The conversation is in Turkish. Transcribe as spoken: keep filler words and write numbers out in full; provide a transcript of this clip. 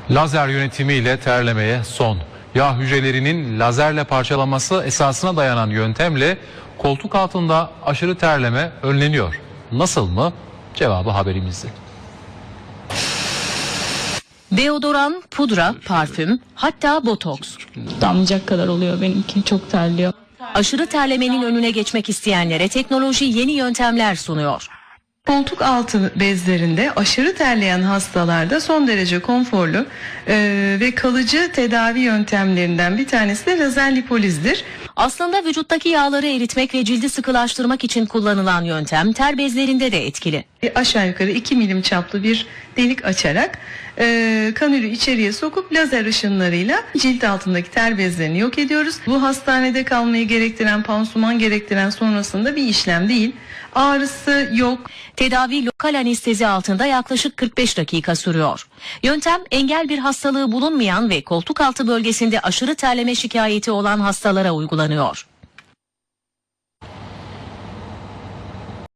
Lazer yönetimiyle terlemeye son. Yağ hücrelerinin lazerle parçalanması esasına dayanan yöntemle koltuk altında aşırı terleme önleniyor. Nasıl mı? Cevabı haberimizde. Deodoran, pudra, parfüm, hatta botoks. Damlayacak kadar oluyor benimki, çok terliyor. Aşırı terlemenin önüne geçmek isteyenlere teknoloji yeni yöntemler sunuyor. Koltuk altı bezlerinde aşırı terleyen hastalarda son derece konforlu e, ve kalıcı tedavi yöntemlerinden bir tanesi de lazer lipolizdir. Aslında vücuttaki yağları eritmek ve cildi sıkılaştırmak için kullanılan yöntem ter bezlerinde de etkili. E, aşağı yukarı iki milim çaplı bir delik açarak e, kanülü içeriye sokup lazer ışınlarıyla cilt altındaki ter bezlerini yok ediyoruz. Bu hastanede kalmayı gerektiren, pansuman gerektiren sonrasında bir işlem değil. Ağrısı yok. Tedavi lokal anestezi altında yaklaşık kırk beş dakika sürüyor. Yöntem engel bir hastalığı bulunmayan ve koltuk altı bölgesinde aşırı terleme şikayeti olan hastalara uygulanıyor.